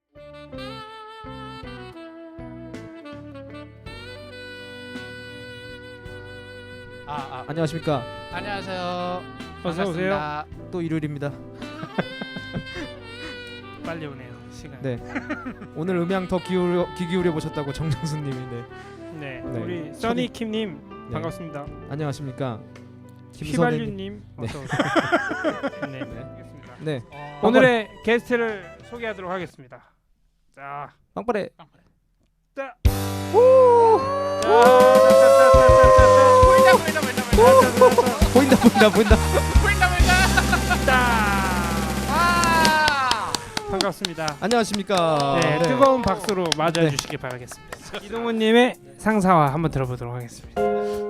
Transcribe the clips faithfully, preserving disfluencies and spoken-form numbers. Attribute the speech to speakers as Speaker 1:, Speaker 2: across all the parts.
Speaker 1: 아, 아.
Speaker 2: 안녕하십니까.
Speaker 1: 안녕하세요.
Speaker 3: 어서 오세요.
Speaker 2: 또 일요일입니다.
Speaker 3: 빨리 오네요. 시간.
Speaker 2: 네. 오늘 음향 더 기울여 귀 기울여 보셨다고 정정수님이 네.
Speaker 3: 네.
Speaker 2: 네.
Speaker 3: 우리 써니킴님
Speaker 2: 네.
Speaker 3: 반갑습니다.
Speaker 2: 안녕하십니까.
Speaker 3: 휘발유님
Speaker 2: 네.
Speaker 3: 어서 오세요. 네.
Speaker 2: 네.
Speaker 3: 알겠습니다.
Speaker 2: 네.
Speaker 1: 어,
Speaker 3: 오늘의 게스트를 소개하도록 하겠습니다. 자,
Speaker 2: 빵빠레.
Speaker 3: 자,
Speaker 1: 보인다 보인다 보인다 보인다
Speaker 2: 보인다 보인다 보인다.
Speaker 1: 보인다 보인다.
Speaker 3: 자,
Speaker 1: 와.
Speaker 3: 반갑습니다.
Speaker 2: 안녕하십니까.
Speaker 3: 네, 뜨거운 박수로 맞아주시기 바라겠습니다. 이동훈님의 상사화 한번 들어보도록 하겠습니다.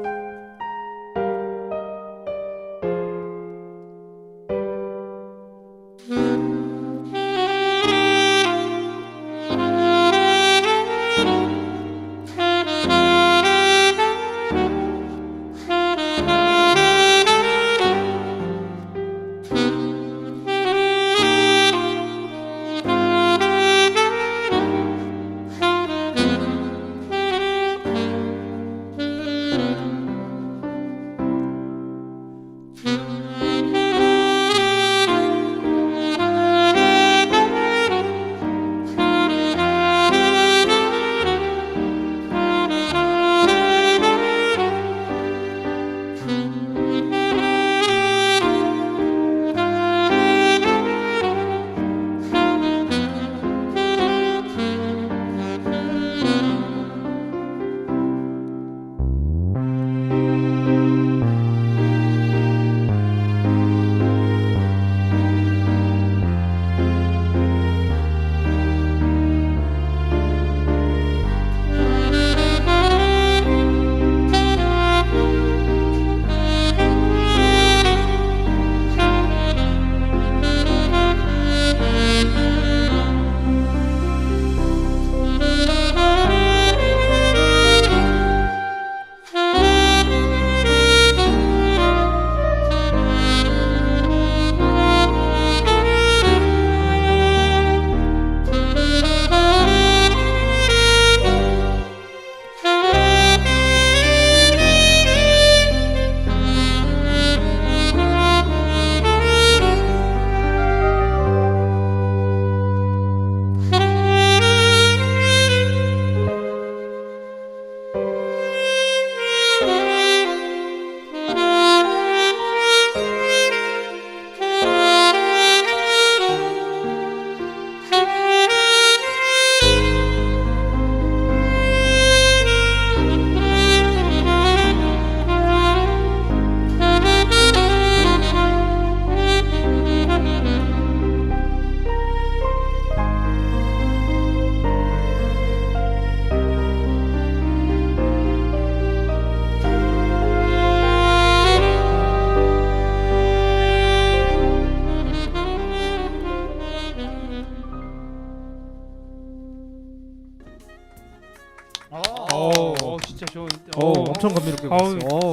Speaker 3: 오, 오, 진짜 좋은.
Speaker 2: 오, 엄청 감미롭게
Speaker 3: 어우.
Speaker 2: 봤어요. 오.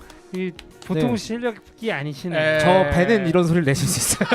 Speaker 3: 이 보통
Speaker 2: 네.
Speaker 3: 실력이 아니시네.
Speaker 1: 에.
Speaker 2: 저 배는 이런 소리를 내실 수 있어요.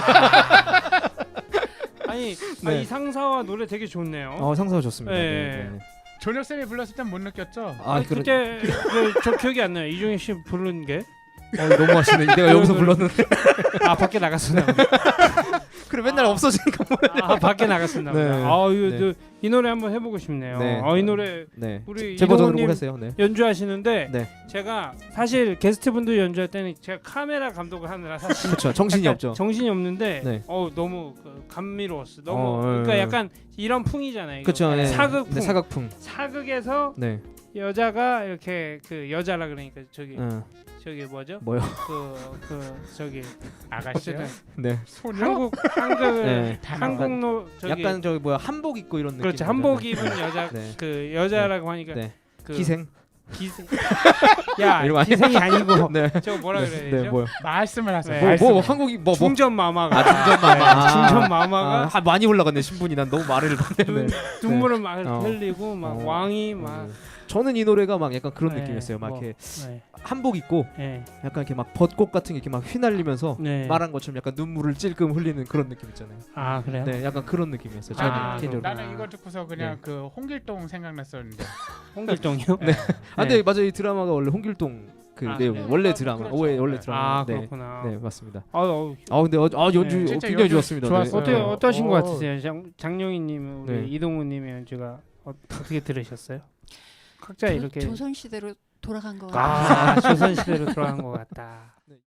Speaker 3: 아니,
Speaker 2: 네.
Speaker 3: 아, 이 상사와 노래 되게 좋네요.
Speaker 2: 어, 상사가 좋습니다.
Speaker 3: 네.
Speaker 2: 네. 네.
Speaker 1: 조력 쌤이 불렀을 땐 못 느꼈죠?
Speaker 2: 아,
Speaker 3: 아니,
Speaker 2: 그래.
Speaker 3: 그때 그, 저 기억이 안 나요. 이종현 씨 부른 게.
Speaker 2: 어, 너무 하시네. 내가 여기서 불렀는데.
Speaker 3: 아, 밖에 나갔었나 보다.
Speaker 2: 그래 맨날 없어지니까 뭐래.
Speaker 3: 아, 밖에 나갔었나 보다.
Speaker 2: 네.
Speaker 3: 아, 이거
Speaker 2: 네.
Speaker 3: 저, 이 노래 한번 해보고 싶네요.
Speaker 2: 네.
Speaker 3: 어, 이 노래
Speaker 2: 네.
Speaker 3: 우리
Speaker 2: 제 버전으로
Speaker 3: 이동훈님
Speaker 2: 했어요. 네.
Speaker 3: 연주하시는데
Speaker 2: 네.
Speaker 3: 제가 사실 게스트분들 연주할 때는 제가 카메라 감독을 하느라 사실
Speaker 2: 그렇죠. 정신이
Speaker 3: 약간
Speaker 2: 없죠.
Speaker 3: 정신이 없는데
Speaker 2: 네.
Speaker 3: 어 너무 그 감미로웠어. 너무
Speaker 2: 어,
Speaker 3: 그러니까
Speaker 2: 예,
Speaker 3: 약간 이런 풍이잖아요. 이거.
Speaker 2: 그렇죠. 네.
Speaker 3: 사극풍.
Speaker 2: 네, 사극풍.
Speaker 3: 사극에서
Speaker 2: 네.
Speaker 3: 여자가 이렇게 그 여자라 그러니까 저기
Speaker 2: 어.
Speaker 3: 저기 뭐죠?
Speaker 2: 뭐요?
Speaker 3: 그 그 저기
Speaker 1: 아가씨요?
Speaker 3: 어쨌든
Speaker 2: 네.
Speaker 1: 소녀?
Speaker 3: 한국 한국
Speaker 2: 네.
Speaker 3: 한국노 저기
Speaker 2: 약간 저기 뭐야 한복 입고 이런 느낌.
Speaker 3: 그렇죠. 한복 입은 여자
Speaker 2: 네.
Speaker 3: 그 여자라고 하니까
Speaker 2: 네.
Speaker 3: 그
Speaker 2: 기생.
Speaker 3: 기생 야
Speaker 2: 이러면 아니-
Speaker 3: 기생이 아니고
Speaker 2: 네.
Speaker 3: 저거 뭐라 그래야
Speaker 2: 네.
Speaker 3: 되죠?
Speaker 2: 네. 뭐요?
Speaker 1: 말씀을 하세요.
Speaker 3: 네.
Speaker 2: 뭐,
Speaker 1: 말씀을.
Speaker 2: 뭐 한국이 뭐 뭐.
Speaker 3: 중전 마마가
Speaker 2: 아 중전 마마.
Speaker 3: 네, 중전 마마가
Speaker 2: 아, 많이 올라갔네 신분이. 난 너무 말을 못했네.
Speaker 3: 눈, 눈물을 막
Speaker 2: 어.
Speaker 3: 흘리고 막
Speaker 2: 어.
Speaker 3: 왕이 막
Speaker 2: 음. 저는 이 노래가 막 약간 그런
Speaker 3: 네,
Speaker 2: 느낌이었어요. 막
Speaker 3: 뭐,
Speaker 2: 이렇게
Speaker 3: 네.
Speaker 2: 한복 입고
Speaker 3: 네.
Speaker 2: 약간 이렇게 막 벚꽃 같은 게 이렇게 막 휘날리면서
Speaker 3: 네.
Speaker 2: 말한 것처럼 약간 눈물을 찔끔 흘리는 그런 느낌 있잖아요.
Speaker 3: 아 그래요?
Speaker 2: 네, 약간 그런 느낌이었어요. 저는
Speaker 3: 아,
Speaker 2: 개인적으로.
Speaker 3: 그렇구나.
Speaker 1: 나는 이거 듣고서 그냥
Speaker 2: 네.
Speaker 1: 그 홍길동 생각났었는데.
Speaker 3: 홍길동이요?
Speaker 1: 네.
Speaker 2: 아, 근데 맞아요. 이 드라마가 원래 홍길동 그
Speaker 3: 아,
Speaker 2: 내용
Speaker 3: 네.
Speaker 2: 원래
Speaker 1: 아,
Speaker 2: 드라마.
Speaker 1: 그렇죠.
Speaker 2: 원래 원래
Speaker 1: 네.
Speaker 2: 드라마.
Speaker 3: 아
Speaker 2: 네.
Speaker 3: 그렇구나.
Speaker 2: 네, 맞습니다.
Speaker 3: 아, 어,
Speaker 2: 아, 근데 어, 아 연주
Speaker 3: 네,
Speaker 2: 어,
Speaker 1: 진짜
Speaker 2: 굉장히
Speaker 1: 연주
Speaker 2: 좋았습니다.
Speaker 1: 좋았어요.
Speaker 3: 어때
Speaker 1: 네.
Speaker 3: 어떠신 것
Speaker 1: 어.
Speaker 3: 같으세요? 장, 장룡이님 우리
Speaker 2: 네.
Speaker 3: 이동우님의 연주가 어, 어떻게 들으셨어요? 각자 이렇게
Speaker 4: 조선 시대로 돌아간 거
Speaker 3: 아 조선 시대로 돌아간 것 같다.